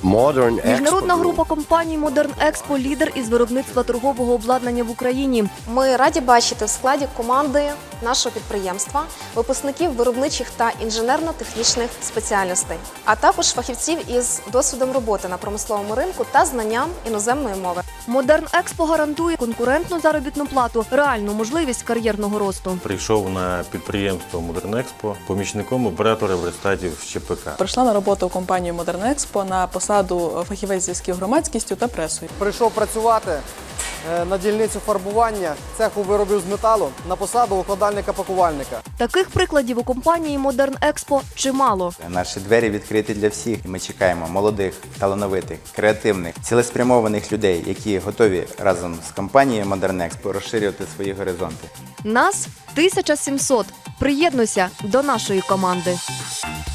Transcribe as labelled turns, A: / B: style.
A: Міжнародна група компаній Modern Expo – лідер із виробництва торгового обладнання в Україні.
B: Ми раді бачити в складі команди нашого підприємства випускників виробничих та інженерно-технічних спеціальностей, а також фахівців із досвідом роботи на промисловому ринку та знанням іноземної мови.
A: Modern Expo гарантує конкурентну заробітну плату, реальну можливість кар'єрного росту.
C: Прийшов на підприємство Modern Expo помічником оператора верстатів з ЧПК.
D: Прийшла на роботу в компанію Modern Expo на посаду фахівець зв'язків громадськістю та пресою.
E: Прийшов працювати на дільницю фарбування цеху виробів з металу на посаду укладальника-пакувальника.
A: Таких прикладів у компанії Modern Expo чимало.
F: Наші двері відкриті для всіх. Ми чекаємо молодих, талановитих, креативних, цілеспрямованих людей, які готові разом з компанією Modern Expo розширювати свої горизонти.
A: Нас 1700. Приєднуйся до нашої команди.